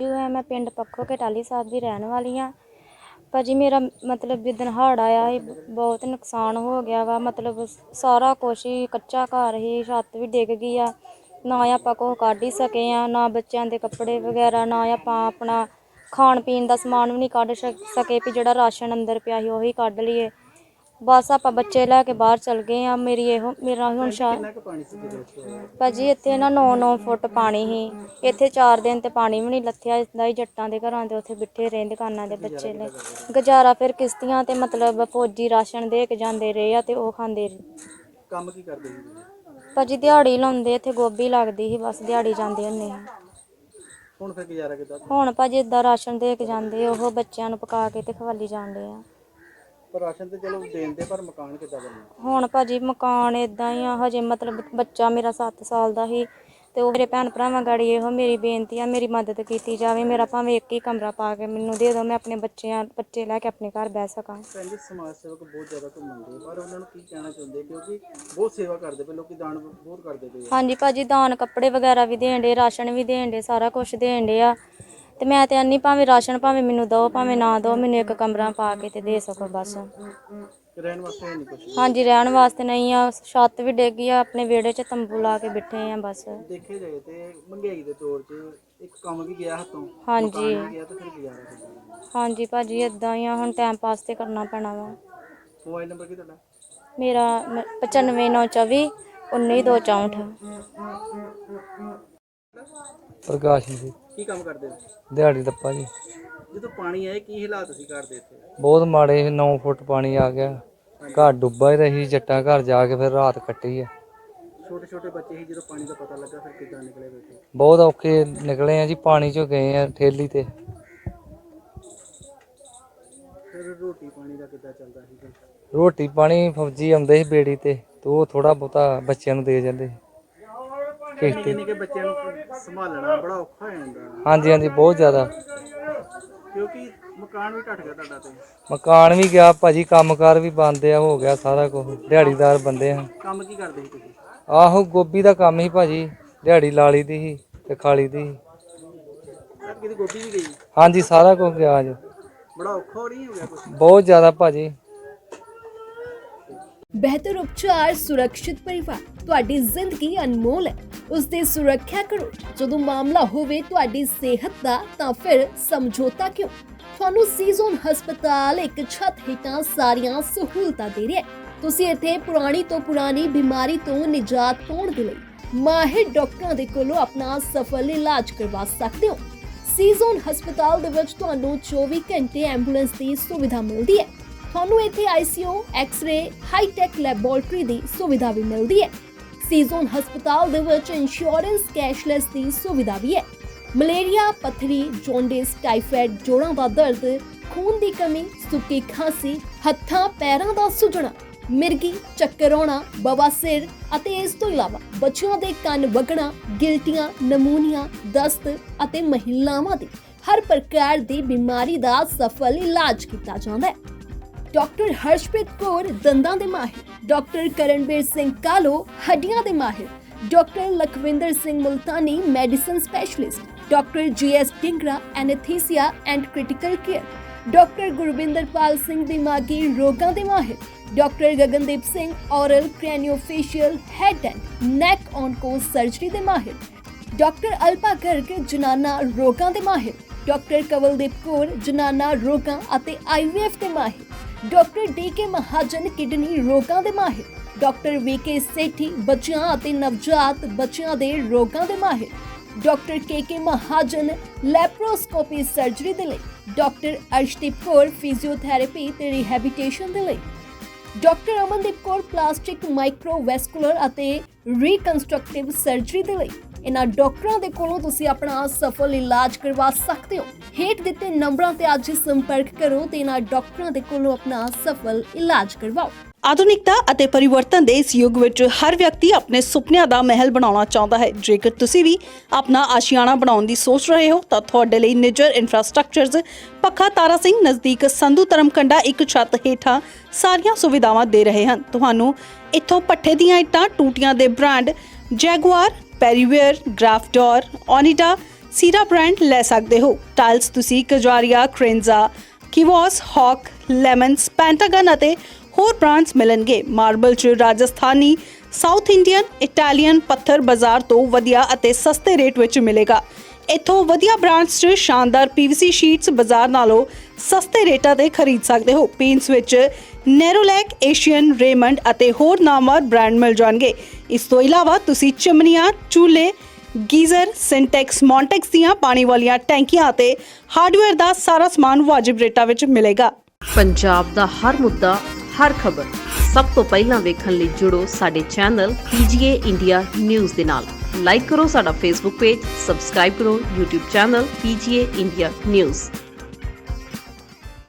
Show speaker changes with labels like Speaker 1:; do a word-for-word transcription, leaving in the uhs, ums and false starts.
Speaker 1: है मैं पिंड पक्खो के टाली साहब की रहने वाली हाँ। भाजी मेरा मतलब जिदन हड़ आया ही बहुत नुकसान हो गया वा, मतलब सारा कुछ ही कच्चा घर ही, छत्त भी डिग गई आ, ना आपां कुछ कढ ही सके आ, ना बच्चों के कपड़े वगैरह, ना आपां अपना खाण पीन का समान भी नहीं कढ सके भी जिहड़ा राशन अंदर पिया ही उही कढ लईए। बस आपां बच्चे लैके बाहर चल गए हाँ। मेरी एहो मेरा हुण शा भाजी इत्थे ना नौ नौ फुट पानी ही, इत्थे चार दिन ते पानी भी नहीं लत्थेआ इसदा ही। जट्टां दे घरां दे उत्थे बिठे रहे दुकानां दे बच्चे ले गुजारा फिर किश्तियां ते मतलब फौजी राशन दे के जांदे रहे आ ते ओह खांदे रहे।
Speaker 2: काम की करदे ही
Speaker 1: भाजी दिहाड़ी लाउंदे, इत्थे गोभी लगदी ही, बस दिहाड़ी जांदे हुंदे ही।
Speaker 2: हुण फिर गुजारा किद्दां?
Speaker 1: हुण भाजी इदां राशन दे के जांदे, ओह बच्चों नूं पका के ते खवाली जाण डे आ।
Speaker 2: पर राशन तो चलो देंदे, पर मकान किद्दां बनना?
Speaker 1: हुण भाजी मकान इदां ही आ, हजे मतलब बच्चा मेरा सत्त साल दा ही ते ओह मेरे भैन भरावां गाड़ी एहो मेरी बेनती आ, मेरी मदद कीती जावे। मेरा भावें एक ही कमरा पा के मैनूं दे दो, मैं अपने बच्चेआं बच्चे लैके अपने घर बह सकां।
Speaker 2: ਭੈਣ ਜੀ ਸਮਾਜ ਸੇਵਕ ਬਹੁਤ ਜ਼ਿਆਦਾ ਘੁੰਮਣਦੇ, ਪਰ ਉਹਨਾਂ ਨੂੰ ਕੀ ਕਹਿਣਾ ਚਾਹੁੰਦੇ, ਕਿਉਂਕਿ ਬਹੁਤ ਸੇਵਾ ਕਰਦੇ ਪਏ ਲੋਕੀ, ਦਾਨ ਬਹੁਤ ਕਰਦੇ ਪਏ।
Speaker 1: ਹਾਂਜੀ ਭਾਜੀ ਦਾਨ ਕੱਪੜੇ ਵਗੈਰਾ ਵੀ ਦੇਣ ਡੇ, ਰਾਸ਼ਨ ਵੀ ਦੇਣ ਡੇ, ਸਾਰਾ ਕੁਛ ਦੇਣ ਡੇ ਆ। ਤੇ ਮੈਂ ਤੇ ਆਨੀ ਭਾਵੇਂ ਰਾਸ਼ਨ ਭਾਵੇਂ ਮੈਨੂੰ ਦੋ ਭਾਵੇਂ ਨਾ ਦੋ, ਮੈਨੂੰ ਇੱਕ ਕਮਰਾ ਪਾ ਕੇ ਤੇ ਦੇ ਸਕੋ ਬਸ।
Speaker 2: ਰਹਿਣ ਵਾਸਤੇ ਹੈ ਨਹੀਂ ਕੁਛ?
Speaker 1: ਹਾਂਜੀ ਰਹਿਣ ਵਾਸਤੇ ਨਹੀਂ ਆ, ਛੱਤ ਵੀ ਡਿੱਗ ਗਈ ਆ, ਆਪਣੇ ਵਿਹੜੇ 'ਚ ਤੰਬੂ ਲਾ ਕੇ ਬੈਠੇ ਆ ਬਸ।
Speaker 2: ਦੇਖੇ ਜਾਏ ਤੇ ਮਹਿੰਗਾਈ ਦੇ ਦੌਰ 'ਚ ਇੱਕ ਕੰਮ ਵੀ ਗਿਆ ਹੱਥੋਂ,
Speaker 1: ਹਾਂਜੀ
Speaker 2: ਮਕਾਨ ਵੀ ਗਿਆ, ਤੇ ਫਿਰ ਗੁਜ਼ਾਰਾ ਕਿੱਦਾਂ?
Speaker 1: ਹਾਂਜੀ ਭਾਜੀ ਇਦਾਂ ਹੀ ਆ, ਹੁਣ ਟਾਈਮ ਪਾਸ ਤੇ ਕਰਨਾ ਪੈਣਾ ਵਾ।
Speaker 2: ਮੋਬਾਈਲ ਨੰਬਰ ਕੀ ਤੁਹਾਡਾ?
Speaker 1: ਮੇਰਾ ਪਚਾਨਵੇਂ ਨੌ ਚੌਵੀ ਉੱਨੀ ਦੋ ਚੌਂਹਠ।
Speaker 3: ਪ੍ਰਕਾਸ਼ ਜੀ।
Speaker 2: ਕੀ ਕੰਮ ਕਰਦੇ ਹੋ?
Speaker 3: ਦਿਹਾੜੀ ਦੱਪਾ ਜੀ।
Speaker 2: ਜਦੋਂ ਪਾਣੀ ਆਏ ਕੀ ਹਾਲਾਤ ਸੀ ਘਰ ਦੇ ਇੱਥੇ?
Speaker 3: ਬਹੁਤ ਮਾੜੇ, ਨੌ ਫੁੱਟ ਪਾਣੀ ਆ ਗਿਆ, ਘਰ ਡੁੱਬਾ ਹੀ ਰਹੀ। ਜੱਟਾਂ ਘਰ ਜਾ ਕੇ ਫਿਰ ਰਾਤ ਕੱਟੀ ਆ।
Speaker 2: ਛੋਟੇ ਛੋਟੇ ਬੱਚੇ ਸੀ, ਜਦੋਂ ਪਾਣੀ ਦਾ ਪਤਾ ਲੱਗਾ ਫਿਰ ਕਿੱਦਾਂ ਨਿਕਲੇ ਬੈਠੇ?
Speaker 3: ਬਹੁਤ ਔਖੇ ਨਿਕਲੇ ਆ ਜੀ, ਪਾਣੀ ਚੋਂ ਗਏ ਆ ਠੇਲੀ ਤੇ।
Speaker 2: ਫਿਰ ਰੋਟੀ ਪਾਣੀ ਦਾ ਕਿੱਦਾਂ ਚੱਲਦਾ ਸੀ?
Speaker 3: ਰੋਟੀ ਪਾਣੀ ਫੌਜੀ ਆਉਂਦੇ ਸੀ ਬੇੜੀ ਤੇ, ਤੇ ਉਹ ਥੋੜਾ ਬਹੁਤਾ ਬੱਚਿਆਂ ਨੂੰ ਦੇ ਜਾਂਦੇ ਸੀ।
Speaker 2: ਨਿੱਕੇ ਨਿੱਕੇ ਬੱਚਿਆਂ ਨੂੰ ਸੰਭਾਲਣਾ ਬੜਾ ਔਖਾ ਹੋ ਜਾਂਦਾ।
Speaker 3: ਹਾਂਜੀ ਹਾਂਜੀ ਬਹੁਤ ਜ਼ਿਆਦਾ,
Speaker 2: ਕਿਉਂਕਿ ਮਕਾਨ ਵੀ ਢੱਟ ਗਿਆ ਤੁਹਾਡਾ ਤੇ?
Speaker 3: ਮਕਾਨ ਵੀ ਗਿਆ ਭਾਜੀ, ਕੰਮਕਾਰ ਵੀ ਬੰਦ ਆ, ਹੋ ਗਿਆ ਸਾਰਾ ਕੁਝ। ਦਿਹਾੜੀਦਾਰ ਬੰਦੇ ਆ।
Speaker 2: ਕੰਮ ਕੀ ਕਰਦੇ ਸੀ ਤੁਸੀਂ?
Speaker 3: ਆਹੋ ਗੋਭੀ ਦਾ ਕੰਮ ਸੀ ਭਾਜੀ, ਦਿਹਾੜੀ ਲਾ ਲਈ ਦੀ ਸੀ ਤੇ ਖਾ ਲਈ ਦੀ ਸੀ।
Speaker 2: ਕਿਤੇ ਗੋਭੀ ਵੀ ਗਈ?
Speaker 3: ਹਾਂਜੀ ਸਾਰਾ ਕੁਝ ਗਿਆ ਅੱਜ।
Speaker 2: ਬੜਾ ਔਖਾ ਨਹੀਂ ਹੋ ਗਿਆ ਕੁਝ?
Speaker 3: ਬਹੁਤ ਜ਼ਿਆਦਾ ਭਾਜੀ।
Speaker 4: ਬਿਹਤਰ ਉਪਚਾਰ, ਸੁਰੱਖਿਅਤ ਪਰਿਵਾਰ। ਤੁਹਾਡੀ ਜ਼ਿੰਦਗੀ ਅਨਮੋਲ ਹੈ, ਉਸ ਦੀ ਸੁਰੱਖਿਆ ਕਰੋ। ਜਦੋਂ ਮਾਮਲਾ ਹੋਵੇ ਤੁਹਾਡੀ ਸਿਹਤ ਦਾ, ਤਾਂ ਫਿਰ ਸਮਝੌਤਾ ਕਿਉਂ? ਤੁਹਾਨੂੰ ਸੀਜ਼ਨ ਹਸਪਤਾਲ ਇੱਕ ਛੱਤ ਹੇਠਾਂ ਸਾਰੀਆਂ ਸਹੂਲਤਾਂ ਦੇ ਰਿਹਾ ਹੈ। ਤੁਸੀਂ ਇੱਥੇ ਪੁਰਾਣੀ ਤੋਂ ਪੁਰਾਣੀ ਬਿਮਾਰੀ ਤੋਂ ਨਿਜਾਤ ਪਾਉਣ ਦੇ ਲਈ ਮਾਹਿਰ ਡਾਕਟਰਾਂ ਦੇ ਕੋਲੋਂ ਆਪਣਾ ਸਫਲ ਇਲਾਜ ਕਰਵਾ ਸਕਦੇ ਹੋ। ਸੀਜ਼ਨ ਹਸਪਤਾਲ ਦੇ ਵਿੱਚ ਤੁਹਾਨੂੰ ਚੌਵੀ ਘੰਟੇ ਐਂਬੂਲੈਂਸ ਦੀ ਸੁਵਿਧਾ ਮਿਲਦੀ ਹੈ। ਤੁਹਾਨੂੰ ਇੱਥੇ ਆਈਸੀਯੂ, ਐਕਸ-ਰੇ, ਹਾਈ-ਟੈਕ ਲੈਬੋਰੇਟਰੀ ਦੀ ਸੁਵਿਧਾ ਵੀ ਮਿਲਦੀ ਹੈ। ਸੀਜ਼ਨ ਹਸਪਤਾਲ ਦੇ ਵਿੱਚ ਇੰਸ਼ੋਰੈਂਸ ਕੈਸ਼ਲੈਸ ਦੀ ਸੁਵਿਧਾ ਵੀ ਹੈ। ਮਲੇਰੀਆ, ਪੱਥਰੀ, ਜੌਂਡਿਸ, ਟਾਈਫਾਇਡ, ਜੋੜਾਂ ਦਾ ਦਰਦ, ਖੂਨ ਦੀ ਕਮੀ, ਸੁੱਕੀ ਖਾਂਸੀ, ਹੱਥਾਂ ਪੈਰਾਂ ਦਾ ਸੁੱਜਣਾ, ਮਿਰਗੀ, ਚੱਕਰ ਆਉਣਾ, ਬਵਾਸੀਰ ਅਤੇ ਇਸ ਤੋਂ ਇਲਾਵਾ ਬੱਚਿਆਂ ਦੇ ਕੰਨ ਵਗਣਾ, ਗਿਲਟੀਆਂ, ਨਮੂਨੀਆ, ਦਸਤ ਅਤੇ ਮਹਿਲਾਵਾਂ ਦੀ ਹਰ ਪ੍ਰਕਾਰ ਦੀ ਬਿਮਾਰੀ ਦਾ ਸਫਲ ਇਲਾਜ ਕੀਤਾ ਜਾਂਦਾ ਹੈ। ਡਾਕਟਰ ਹਰਸ਼ਪ੍ਰੀਤ ਕੌਰ ਦੰਦਾਂ ਦੇ ਮਾਹਿਰ, ਡਾਕਟਰ ਕਰਨਵੀਰ ਸਿੰਘ ਕਾਲੋ ਹੱਡੀਆਂ ਦੇ ਮਾਹਿਰ, doctor Lakhwinder Singh Multani medicine specialist, doctor G S Dingra anaesthesia and critical care, doctor Gurvinderpal Singh ਦਿਮਾਗੀ ਰੋਗਾਂ ਦੇ ਮਾਹਿਰ, doctor Gagandeep Singh oral craniofacial head and neck onco surgery ਦੇ ਮਾਹਿਰ, ਡਾਕਟਰ ਅਲਪਾ ਗਰਗ ਜਨਾਨਾ ਰੋਗਾਂ ਦੇ ਮਾਹਿਰ, ਡਾਕਟਰ ਕਵਲਦੀਪ ਕੌਰ ਜਨਾਨਾ ਰੋਗਾਂ ਅਤੇ ਆਈਵੀਐਫ ਦੇ ਮਾਹਿਰ, doctor D K Mahajan kidney ਰੋਗਾਂ ਦੇ ਮਾਹਿਰ, ਡਾਕਟਰ ਵੀ ਕੇ ਸੇਠੀ ਬੱਚਿਆਂ ਅਤੇ ਨਵਜਾਤ ਬੱਚਿਆਂ ਦੇ ਰੋਗਾਂ ਦੇ ਮਾਹਿਰ, doctor K K Mahajan laparoscopy surgery ਦੇ ਲਈ, ਡਾਕਟਰ ਅਰਸ਼ਦੀਪ ਕੌਰ ਫਿਜ਼ੀਓਥੈਰੇਪੀ ਤੇ ਰਿਹੈਬਿਲਿਟੇਸ਼ਨ ਦੇ ਲਈ, doctor Amandeep Kaur plastic microvascular ਅਤੇ ਰੀਕਨਸਟਰਕਟਿਵ ਸਰਜਰੀ ਦੇ ਲਈ। ਇਹਨਾਂ ਡਾਕਟਰਾਂ ਦੇ ਕੋਲੋਂ ਤੁਸੀਂ ਆਪਣਾ ਸਫਲ ਇਲਾਜ ਕਰਵਾ ਸਕਦੇ ਹੋ। ਹੇਠ ਦਿੱਤੇ ਨੰਬਰਾਂ ਤੇ ਅੱਜ ਸੰਪਰਕ ਕਰੋ ਤੇ ਇਹਨਾਂ ਡਾਕਟਰਾਂ ਦੇ ਕੋਲੋਂ ਆਪਣਾ ਸਫਲ ਇਲਾਜ ਕਰਵਾਓ।
Speaker 5: ਆਧੁਨਿਕਤਾ ਅਤੇ ਪਰਿਵਰਤਨ ਦੇ ਇਸ ਯੁੱਗ ਵਿੱਚ ਹਰ ਵਿਅਕਤੀ ਆਪਣੇ ਸੁਪਨਿਆਂ ਦਾ ਮਹਿਲ ਬਣਾਉਣਾ ਚਾਹੁੰਦਾ ਹੈ। ਜੇਕਰ ਤੁਸੀਂ ਵੀ ਆਪਣਾ ਆਸ਼ੀਆਨਾ ਬਣਾਉਣ ਦੀ ਸੋਚ ਰਹੇ ਹੋ ਤਾਂ ਤੁਹਾਡੇ ਲਈ ਨਿੱਜਰ ਇਨਫਰਾਸਟ੍ਰਕਚਰਜ਼ ਪੱਖਾ ਤਾਰਾ ਸਿੰਘ ਨਜ਼ਦੀਕ ਸੰਧੂ ਧਰਮਕੰਡਾ ਇੱਕ ਛੱਤ ਹੇਠਾਂ ਸਾਰੀਆਂ ਸੁਵਿਧਾਵਾਂ ਦੇ ਰਹੇ ਹਨ। ਤੁਹਾਨੂੰ ਇੱਥੋਂ ਪੱਠੇ ਦੀਆਂ ਇੱਟਾਂ, ਟੂਟੀਆਂ ਦੇ ਬ੍ਰਾਂਡ ਜੈਗੁਆਰ, ਪੈਰੀਵੇਅਰ, ਗ੍ਰਾਫਡੋਰ, ਓਨੀਡਾ, ਸੀਰਾ ਬ੍ਰਾਂਡ ਲੈ ਸਕਦੇ ਹੋ। ਟਾਇਲਸ ਤੁਸੀਂ ਕਜਾਰੀਆ, ਕ੍ਰੇਨਜ਼ਾ, ਕਿਵੋਸ, ਹੌਕ, ਲੈਮਨਸ, ਪੈਂਟਾਗਨ ਅਤੇ ਹੋਰ ਬ੍ਰਾਂਡਸ ਮਿਲਣਗੇ। ਮਾਰਬਲ 'ਚ ਰਾਜਸਥਾਨੀ, ਸਾਊਥ ਇੰਡੀਅਨ, ਇਟਾਲੀਅਨ ਪੱਥਰ ਬਾਜ਼ਾਰ ਤੋਂ ਵਧੀਆ ਅਤੇ ਸਸਤੇ ਰੇਟ ਵਿੱਚ ਮਿਲੇਗਾ। ਇੱਥੋਂ ਵਧੀਆ ਬ੍ਰਾਂਡਸ 'ਚ ਸ਼ਾਨਦਾਰ ਪੀਵੀਸੀ ਸ਼ੀਟਸ ਬਾਜ਼ਾਰ ਨਾਲੋਂ ਸਸਤੇ ਰੇਟਾਂ ਤੇ ਖਰੀਦ ਸਕਦੇ ਹੋ। ਪੇਂਟਸ ਵਿੱਚ ਨੈਰੋਲੈਕ, ਏਸ਼ੀਅਨ, ਰੇਮੰਡ ਅਤੇ ਹੋਰ ਨਾਮਵਰ ਬ੍ਰਾਂਡ ਮਿਲ ਜਾਣਗੇ। ਇਸ ਤੋਂ ਇਲਾਵਾ ਤੁਸੀਂ ਚਿਮਨੀਆਂ, ਚੂਲੇ, ਗੀਜ਼ਰ, ਸਿੰਟੈਕਸ, ਮੌਂਟੈਕਸ ਦੀਆਂ ਪਾਣੀ ਵਾਲੀਆਂ ਟੈਂਕੀਆਂ ਅਤੇ ਹਾਰਡਵੇਅਰ ਦਾ ਸਾਰਾ ਸਮਾਨ ਵਾਜਿਬ ਰੇਟਾਂ ਵਿੱਚ ਮਿਲੇਗਾ।
Speaker 6: ਪੰਜਾਬ ਦਾ ਹਰ ਮੁੱਦਾ, ਹਰ ਖਬਰ ਸਭ ਤੋਂ ਪਹਿਲਾਂ ਵੇਖਣ ਲਈ ਜੁੜੋ ਸਾਡੇ ਚੈਨਲ ਪੀਜੀਏ ਇੰਡੀਆ ਨਿਊਜ਼ ਦੇ ਨਾਲ। ਲਾਈਕ ਕਰੋ ਸਾਡਾ ਫੇਸਬੁੱਕ ਪੇਜ, ਸਬਸਕ੍ਰਾਈਬ ਕਰੋ YouTube channel PGA India news.